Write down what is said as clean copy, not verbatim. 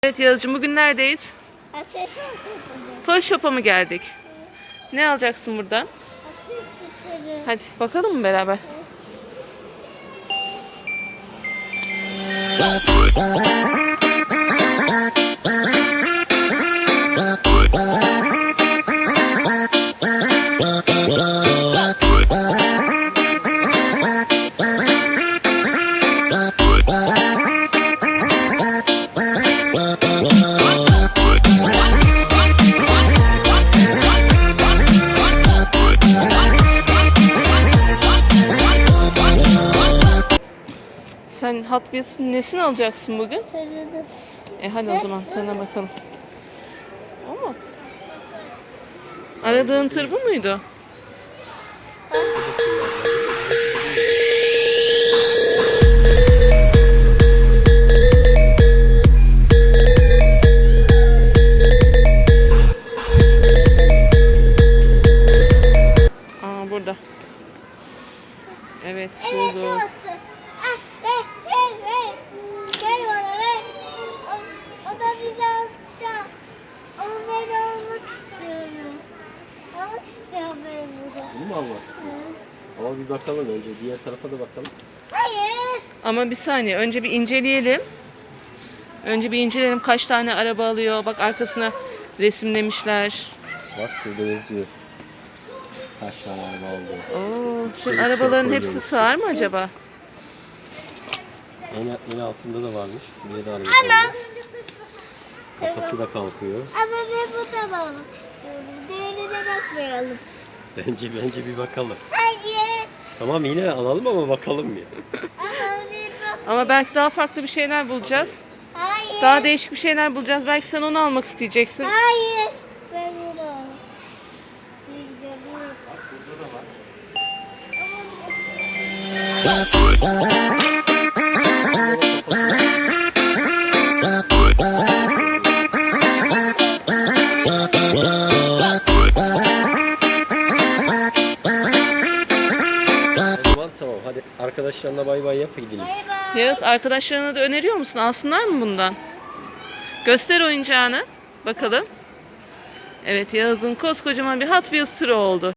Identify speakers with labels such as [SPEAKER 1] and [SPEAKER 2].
[SPEAKER 1] Evet Yağız'cığım, bugün neredeyiz? Toy Shop'a mı geldik? Ne alacaksın buradan? Hadi bakalım mı beraber? Sen Hot Wheels'ın nesini alacaksın bugün?
[SPEAKER 2] Tırını.
[SPEAKER 1] Hadi o zaman tadına bakalım. O mu? Aradığın tır bu muydu? Aa, burada. Evet, buldum.
[SPEAKER 2] Ver. Ver bana ver. O da bizi aldı. Onu ben almak istiyorum. Almak istiyorum ben bunu.
[SPEAKER 3] Bunu mu almak istiyorsun? Ama bir bakalım önce. Diğer tarafa da bakalım.
[SPEAKER 2] Hayır.
[SPEAKER 1] Ama bir saniye, önce bir inceleyelim. Önce bir inceleyelim kaç tane araba alıyor. Bak, arkasına resimlemişler.
[SPEAKER 3] Bak şurada yazıyor. Kaç tane araba aldı.
[SPEAKER 1] Oo, senin
[SPEAKER 3] Şey,
[SPEAKER 1] arabaların
[SPEAKER 3] şey
[SPEAKER 1] hepsi
[SPEAKER 3] koyuyormuş.
[SPEAKER 1] sığar mı acaba?
[SPEAKER 3] En altında da varmış. Bir de araba. Kafası da kalkıyor.
[SPEAKER 2] Ama ben bundan almak istiyorum. Diğerine bakmayalım.
[SPEAKER 3] Bence bir bakalım.
[SPEAKER 2] Hayır.
[SPEAKER 3] Tamam yine alalım ama bakalım ya.
[SPEAKER 2] Ama bir bak.
[SPEAKER 1] Ama belki daha farklı bir şeyler bulacağız.
[SPEAKER 2] Hayır.
[SPEAKER 1] Daha değişik bir şeyler bulacağız. Belki sen onu almak isteyeceksin.
[SPEAKER 2] Hayır. Ben bunu almak.
[SPEAKER 3] O zaman tamam hadi arkadaşlarına bay bay yap gidelim.
[SPEAKER 2] Bay bay.
[SPEAKER 1] Yağız, arkadaşlarına da öneriyor musun? Alsınlar mı bundan? Göster oyuncağını. Bakalım. Evet, Yağız'ın koskocaman bir Hot Wheels tırı oldu.